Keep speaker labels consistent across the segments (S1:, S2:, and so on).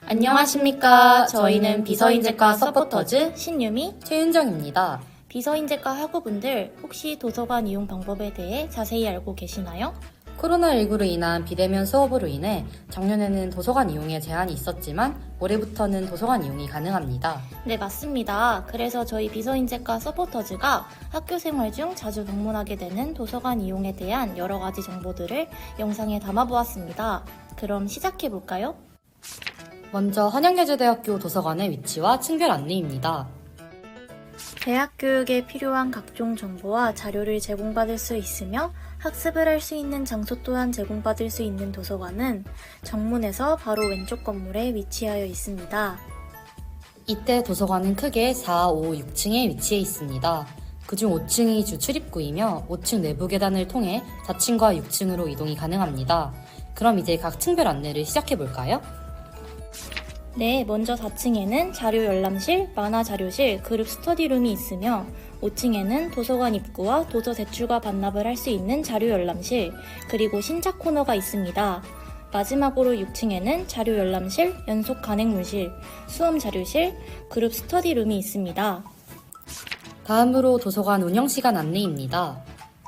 S1: 안녕하십니까. 저희는 비서인재과 서포터즈
S2: 신유미,
S1: 최윤정입니다.
S2: 비서인재과 학우분들 혹시 도서관 이용 방법에 대해 자세히 알고 계시나요?
S1: 코로나19로 인한 비대면 수업으로 인해 작년에는 도서관 이용에 제한이 있었지만 올해부터는 도서관 이용이 가능합니다.
S2: 네, 맞습니다. 그래서 저희 비서인재과 서포터즈가 학교 생활 중 자주 방문하게 되는 도서관 이용에 대한 여러 가지 정보들을 영상에 담아보았습니다. 그럼 시작해볼까요?
S1: 먼저 한양예제대학교 도서관의 위치와 층별 안내입니다.
S2: 대학 교육에 필요한 각종 정보와 자료를 제공받을 수 있으며 학습을 할 수 있는 장소 또한 제공받을 수 있는 도서관은 정문에서 바로 왼쪽 건물에 위치하여 있습니다.
S1: 이때 도서관은 크게 4, 5, 6층에 위치해 있습니다. 그중 5층이 주 출입구이며 5층 내부 계단을 통해 4층과 6층으로 이동이 가능합니다. 그럼 이제 각 층별 안내를 시작해볼까요?
S2: 네, 먼저 4층에는 자료 열람실, 만화 자료실, 그룹 스터디룸이 있으며 5층에는 도서관 입구와 도서 대출과 반납을 할 수 있는 자료 열람실, 그리고 신작 코너가 있습니다. 마지막으로 6층에는 자료 열람실, 연속 간행물실, 수험 자료실, 그룹 스터디룸이 있습니다.
S1: 다음으로 도서관 운영시간 안내입니다.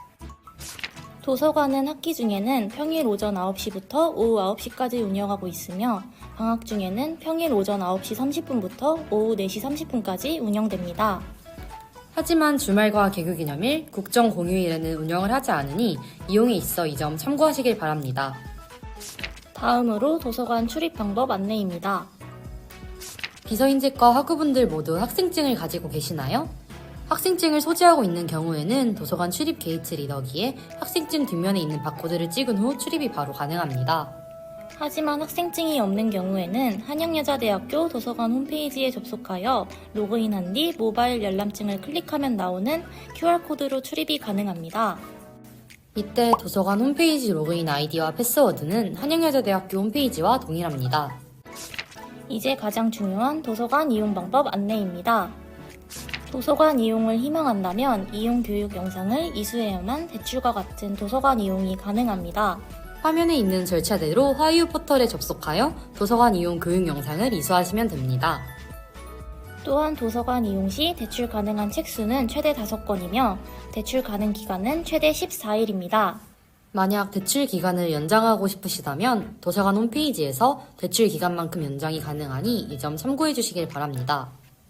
S2: 도서관은 학기 중에는 평일 오전 9시부터 오후 9시까지 운영하고 있으며 방학 중에는 평일 오전 9시 30분부터 오후 4시 30분까지 운영됩니다.
S1: 하지만 주말과 개교기념일, 국정공휴일에는 운영을 하지 않으니 이용에 있어 이 점 참고하시길 바랍니다.
S2: 다음으로 도서관 출입 방법 안내입니다.
S1: 비서인재과 학우분들 모두 학생증을 가지고 계시나요? 학생증을 소지하고 있는 경우에는 도서관 출입 게이트 리더기에 학생증 뒷면에 있는 바코드를 찍은 후 출입이 바로 가능합니다.
S2: 하지만 학생증이 없는 경우에는 한양여자대학교 도서관 홈페이지에 접속하여 로그인한 뒤 모바일 열람증을 클릭하면 나오는 QR코드로 출입이 가능합니다.
S1: 이때 도서관 홈페이지 로그인 아이디와 패스워드는 한양여자대학교 홈페이지와 동일합니다.
S2: 이제 가장 중요한 도서관 이용 방법 안내입니다. 도서관 이용을 희망한다면 이용 교육 영상을 이수해야만 대출과 같은 도서관 이용이 가능합니다.
S1: 화면에 있는 절차대로 화이유 포털에 접속하여 도서관 이용 교육 영상을 이수하시면 됩니다.
S2: 또한 도서관 이용 시 대출 가능한 책 수는 최대 5권이며 대출 가능 기간은 최대 14일입니다.
S1: 만약 대출 기간을 연장하고 싶으시다면 도서관 홈페이지에서 대출 기간만큼 연장이 가능하니 이 점 참고해 주시길 바랍니다.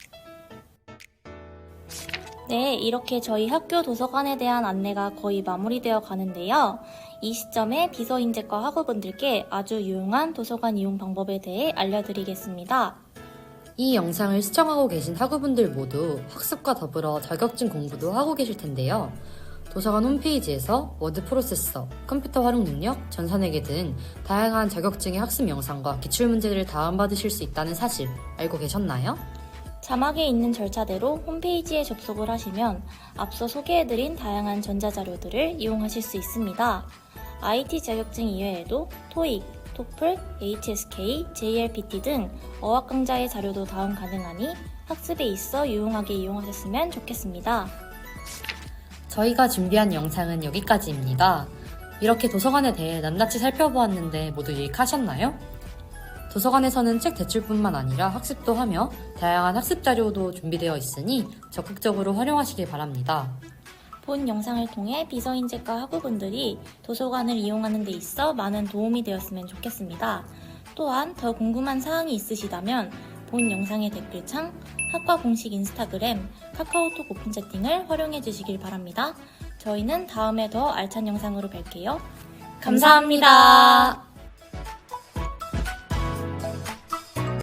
S2: 네, 이렇게 저희 학교 도서관에 대한 안내가 거의 마무리되어 가는데요. 이 시점에 비서인재과 학우분들께 아주 유용한 도서관 이용 방법에 대해 알려드리겠습니다.
S1: 이 영상을 시청하고 계신 학우분들 모두 학습과 더불어 자격증 공부도 하고 계실 텐데요. 도서관 홈페이지에서 워드 프로세서, 컴퓨터 활용 능력, 전산회계 등 다양한 자격증의 학습 영상과 기출문제들을 다운받으실 수 있다는 사실 알고 계셨나요?
S2: 자막에 있는 절차대로 홈페이지에 접속을 하시면 앞서 소개해드린 다양한 전자자료들을 이용하실 수 있습니다. IT 자격증 이외에도 토익, 토플, HSK, JLPT 등 어학 강좌의 자료도 다운 가능하니 학습에 있어 유용하게 이용하셨으면 좋겠습니다.
S1: 저희가 준비한 영상은 여기까지입니다. 이렇게 도서관에 대해 낱낱이 살펴보았는데 모두 유익하셨나요? 도서관에서는 책 대출뿐만 아니라 학습도 하며 다양한 학습 자료도 준비되어 있으니 적극적으로 활용하시길 바랍니다.
S2: 본 영상을 통해 비서인재과 학우분들이 도서관을 이용하는 데 있어 많은 도움이 되었으면 좋겠습니다. 또한 더 궁금한 사항이 있으시다면 본 영상의 댓글창, 학과 공식 인스타그램, 카카오톡 오픈 채팅을 활용해 주시길 바랍니다. 저희는 다음에 더 알찬 영상으로 뵐게요. 감사합니다.